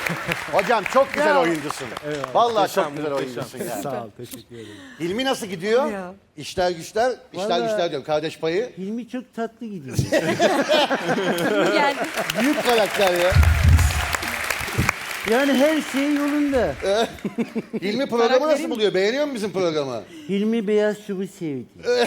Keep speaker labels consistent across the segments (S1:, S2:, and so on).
S1: Hocam çok güzel oyuncusun. Vallahi çok güzel
S2: muhteşem.
S1: oyuncusun yani.
S3: Sağ ol, teşekkür ederim.
S1: Hilmi nasıl gidiyor?
S4: Ya.
S1: İşler güçler, işler
S3: Vallahi-
S1: güçler diyorum. Kardeş payı.
S3: Hilmi çok tatlı gidiyor.
S4: Geldi.
S1: Büyük karakter ya.
S3: Yani her şey yolunda.
S1: Hilmi programı nasıl buluyor? Beğeniyor mu bizim programı?
S3: Hilmi beyaz şubu sevdi.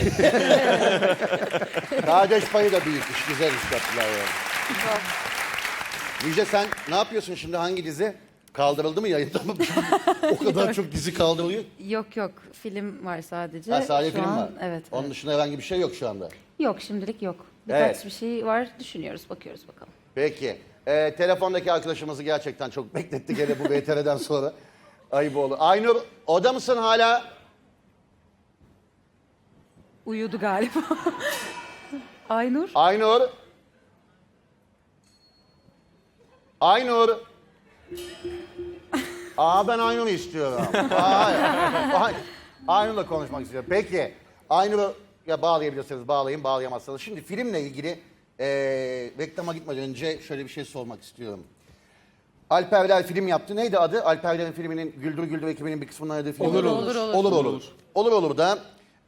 S1: Kardeş payı da büyük iş. Güzel iş yaptılar yani. Müjde sen ne yapıyorsun şimdi? Hangi dizi? Kaldırıldı mı yayında mı? O kadar çok dizi kaldırılıyor.
S4: Yok yok, film var sadece.
S1: Ha, sadece
S4: Şu
S1: film
S4: an,
S1: var.
S4: Evet.
S1: Onun dışında herhangi bir şey yok şu anda.
S4: Yok, şimdilik yok. Birkaç
S1: Evet.
S4: bir şey var, düşünüyoruz, bakıyoruz bakalım.
S1: Peki. Telefondaki arkadaşımızı gerçekten çok bekletti gene bu VTR'den sonra. Ayıp oldu. Aynur, orada mısın hala?
S4: Uyudu galiba. Aynur.
S1: Aynur. Aynur. Ben Aynur'u istiyorum. Hayır. Aynur'la konuşmak istiyorum. Peki. Aynur'u ya bağlayabilirsiniz, bağlayın, bağlayamazsanız. Şimdi filmle ilgili reklama gitmeden önce şöyle bir şey sormak istiyorum. Alperler film yaptı. Neydi adı? Alperler'in filminin Güldür Güldür ekibinin bir kısmından adı film.
S4: Olur.
S1: Olur olur da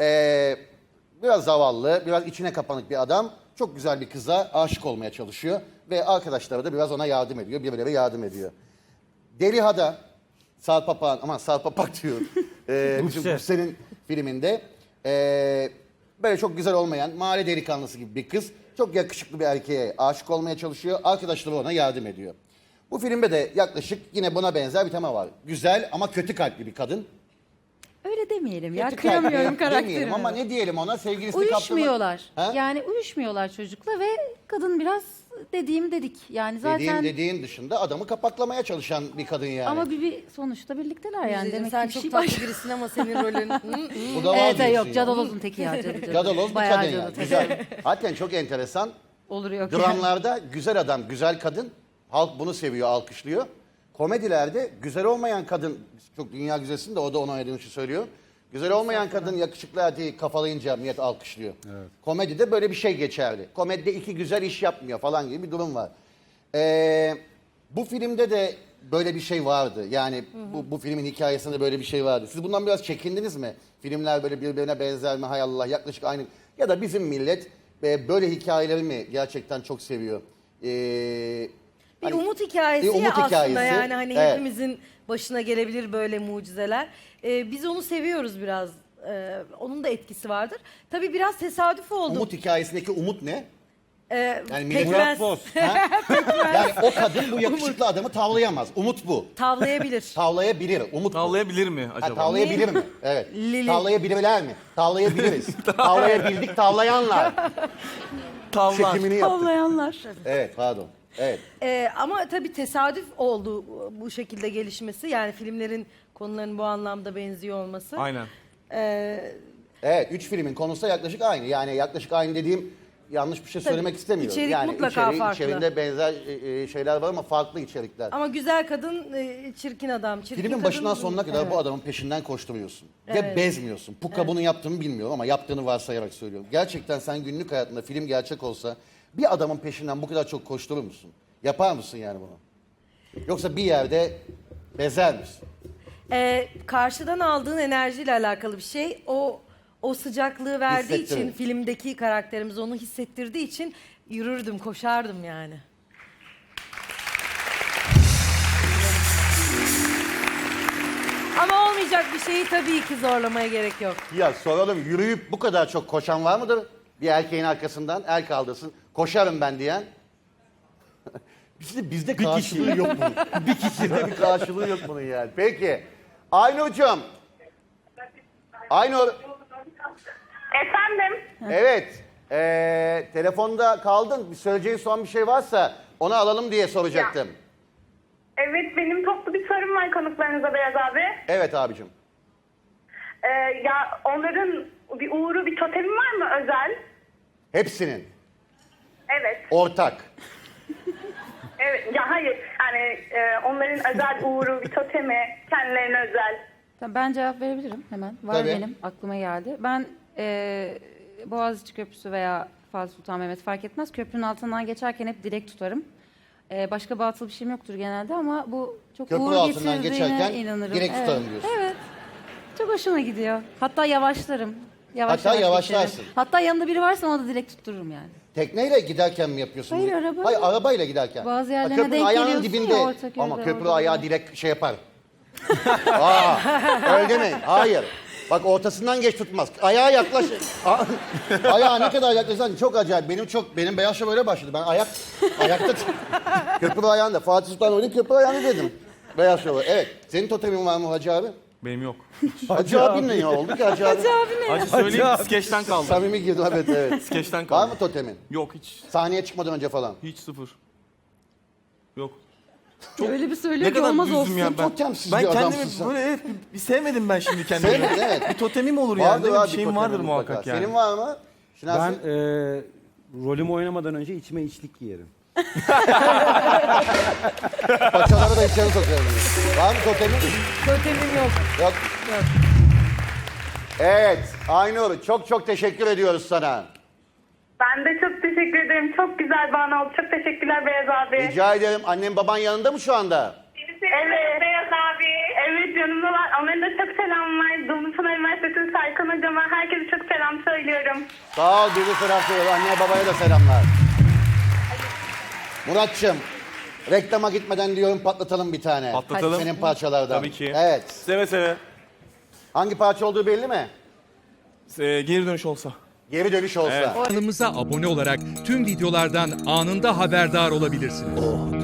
S1: biraz zavallı, biraz içine kapanık bir adam. Çok güzel bir kıza aşık olmaya çalışıyor. Ve arkadaşları da biraz ona yardım ediyor. Birbirleri yardım ediyor. Deliha'da Sarp Papak'ın, aman Sarp Papak diyor. Bizim Gülsen'in filminde böyle çok güzel olmayan mahalle delikanlısı gibi bir kız çok yakışıklı bir erkeğe aşık olmaya çalışıyor. Arkadaşları ona yardım ediyor. Bu filmde de yaklaşık yine buna benzer bir tema var. Güzel ama kötü kalpli bir kadın.
S4: Öyle demeyelim ya,
S1: Kötü
S4: kıyamıyorum
S1: kalpli demeyelim
S4: karakterine.
S1: ama ne diyelim ona sevgilisini
S4: Uyuşmuyorlar.
S1: Ha?
S4: Yani uyuşmuyorlar çocukla ve kadın biraz dedik. Yani zaten
S1: Dediğin dışında adamı kapaklamaya çalışan bir kadın yani.
S4: ama sonuçta birlikteler yani.
S5: Müjdeciğim,
S4: Demek
S5: sen
S4: ki bir
S5: çok
S4: şey
S5: tatlı
S4: var.
S5: birisin ama senin rolün...
S1: Bu da var
S4: Evet,
S1: diyorsun
S4: yok,
S1: yani.
S4: cadalozun teki ya.
S1: Cadaloz bir
S4: Bayağı
S1: kadın
S4: cadı
S1: yani.
S4: tabii.
S1: Güzel. Hakikaten çok enteresan.
S4: Oluyor.
S1: Dramlarda güzel adam, güzel kadın. Halk bunu seviyor, alkışlıyor. Komedilerde güzel olmayan kadın, çok dünya güzelsin de o da ona oynadığın için söylüyor. Güzel olmayan kadın yakışıklı erkeği kafalayınca millet alkışlıyor. Evet. Komedide böyle bir şey geçerli. Komedide iki güzel iş yapmıyor falan gibi bir durum var. Bu filmde de böyle bir şey vardı. Yani bu filmin hikayesinde böyle bir şey vardı. Siz bundan biraz çekindiniz mi? Filmler böyle birbirine benzer mi? Hay Allah, yaklaşık aynı. Ya da bizim millet böyle hikayeleri mi gerçekten çok seviyor?
S5: Bir umut hikayesi
S1: bir umut
S5: ya aslında,
S1: hikayesi.
S5: yani hani
S1: Evet.
S5: hepimizin başına gelebilir böyle mucizeler. Biz onu seviyoruz biraz. Onun da etkisi vardır. Tabii biraz tesadüf oldu.
S1: Umut hikayesindeki umut ne? Yani millet-
S5: Pekmez
S1: Yani o kadın bu yakışıklı adamı tavlayamaz. Umut bu.
S5: tavlayabilir.
S1: Tavlayabilir. Umut bu.
S2: Tavlayabilir mi
S1: Ha,
S2: acaba?
S1: tavlayabilir mi? Evet.
S5: Lili.
S1: Tavlayabilirler mi? Tavlayabiliriz. Tavlayabildik tavlayanlar.
S2: Tavlar.
S1: Çekimini yaptık.
S4: Avlayanlar.
S1: Evet pardon. Evet.
S5: Ama tabii tesadüf oldu bu şekilde gelişmesi. Yani filmlerin konularının bu anlamda benziyor olması.
S2: Aynen.
S5: Ee,
S1: Evet. 3 filmin konusu da yaklaşık aynı. Yani yaklaşık aynı dediğim yanlış bir şey söylemek istemiyorum.
S5: içerik
S1: yani
S5: mutlaka farklı.
S1: içeriğinde benzer şeyler var ama farklı içerikler.
S5: ama güzel kadın, çirkin adam. Çirkin
S1: Filmin
S5: kadın,
S1: başından sonuna kadar
S5: evet.
S1: bu adamın peşinden koşturuyorsun. Ve
S5: Evet.
S1: bezmiyorsun. Puka bunu yaptığını bilmiyorum ama yaptığını varsayarak söylüyorum. Gerçekten sen günlük hayatında film gerçek olsa bir adamın peşinden bu kadar çok koşturur musun? Yapar mısın yani bunu? Yoksa bir yerde bezer misin?
S5: Karşıdan aldığın enerjiyle alakalı bir şey. O sıcaklığı verdiği
S1: Hissettirir.
S5: için, filmdeki karakterimiz onu hissettirdiği için yürürdüm, koşardım yani. Ama olmayacak bir şeyi tabii ki zorlamaya gerek yok.
S1: Ya soralım, yürüyüp bu kadar çok koşan var mıdır? Bir erkeğin arkasından el kaldırsın. Koşarım ben diyen. Bizde karşılığı yok bunun. Bir kişide bir karşılığı yok bunun yani. Peki. Aynur'cum. Aynur.
S6: Efendim?
S1: Evet. Telefonda kaldın. Bir söyleyeceğin son bir şey varsa onu alalım diye soracaktım.
S6: Evet, benim toplu bir sorum var konuklarınıza Beyaz abi.
S1: Evet abicim.
S6: Ya onların bir uğuru, bir totemi var mı özel?
S1: Hepsinin.
S6: Evet.
S1: Ortak.
S6: Evet. Ya hayır. Yani onların özel uğuru, bir totemi, kendilerine özel.
S4: Tamam, ben cevap verebilirim hemen. Var
S1: Tabii.
S4: benim, aklıma geldi. Ben Boğaziçi Köprüsü veya Fatih Sultan Mehmet fark etmez. Köprünün altından geçerken hep dilek tutarım. Başka batıl bir şeyim yoktur genelde ama bu çok
S1: Köprü
S4: uğur
S1: altından
S4: getirdiğine
S1: geçerken
S4: inanırım.
S1: direkt tutarım diyorsun.
S4: Evet. Çok hoşuma gidiyor. Hatta yavaşlarım.
S1: Hatta
S4: yavaş
S1: yavaşlarsın.
S4: geçerim. Hatta yanında biri varsa ona da direkt tuttururum yani.
S1: Tekneyle giderken mi yapıyorsun?
S4: Hayır,
S1: bunu?
S4: arabayla.
S1: Hayır, arabayla giderken.
S4: Bazı
S1: Ha,
S4: yerlerine
S1: köprünün
S4: denk
S1: ayağının
S4: geliyorsun
S1: dibinde.
S4: ya, Ortaköy'de,
S1: Ama köprü
S4: orada
S1: ayağı
S4: da.
S1: direkt şey yapar. Öyle demeyin. Hayır. Bak ortasından geç tutmaz. Ayağa yaklaş. Ayağa ne kadar yaklaşsan çok acayip. Benim Beyaz Şov öyle başladı. Ben ayakta köprü ayağında. Fatih Sultan Mehmet'in köprü ayağını dedim. Beyaz Şov. Evet. Senin totemin var mı Hacı abi?
S2: Benim yok.
S1: Hacı abin ne oldu ki Hacı abi?
S2: Hacı söyleyeyim skeçten kaldı.
S1: Samimi girdim evet.
S2: Skeçten
S1: Var
S2: kaldı.
S1: mı totemin?
S2: Yok hiç.
S1: Sahneye çıkmadan önce falan.
S2: Hiç sıfır. Yok.
S4: Öyle bir söylüyor
S2: Ne
S4: ki
S2: kadar
S4: olmaz
S2: düzdüm
S4: olsun.
S2: ya ben.
S1: Totemsiz
S2: Ben
S1: bir adamsın
S2: kendimi
S1: sen.
S2: böyle bir sevmedim ben şimdi kendimi.
S1: Sevmedin, evet.
S2: Bir totemim olur yani.
S1: Vardır
S2: Değil mi?
S1: abi
S2: Bir şeyim
S1: totemin
S2: vardır
S1: mutlaka.
S2: muhakkak yani.
S1: Senin var mı? Şinasi?
S3: Ben rolümü oynamadan önce içime içlik giyerim.
S1: Paçaları da içeri sokuyorum. Var mı totemin?
S5: Totemim yok.
S1: Yok. Evet, Aynur çok teşekkür ediyoruz sana.
S6: Ben de çok teşekkür ederim. Çok güzel bir an oldu. Çok teşekkürler Beyaz abi.
S1: Rica ederim. Annem baban yanında mı şu anda?
S6: Evet. Beyaz abi. Evet yanımdalar. Onların da çok selam var. Dumlupınar Üniversitesi Serkan Hocama. Herkese çok selam söylüyorum.
S1: Sağ ol, bizi selam söylüyor. Anneye babaya da selamlar. Muratçım, reklama gitmeden diyorum patlatalım bir tane.
S2: Patlatalım.
S1: Senin parçalardan.
S2: Tabii ki.
S1: Evet.
S2: Seve seve.
S1: Hangi parça olduğu belli mi?
S2: Geri dönüş olsa.
S1: Geri dönüş olsa.
S2: Evet.
S7: Kanalımıza abone olarak tüm videolardan anında haberdar olabilirsiniz.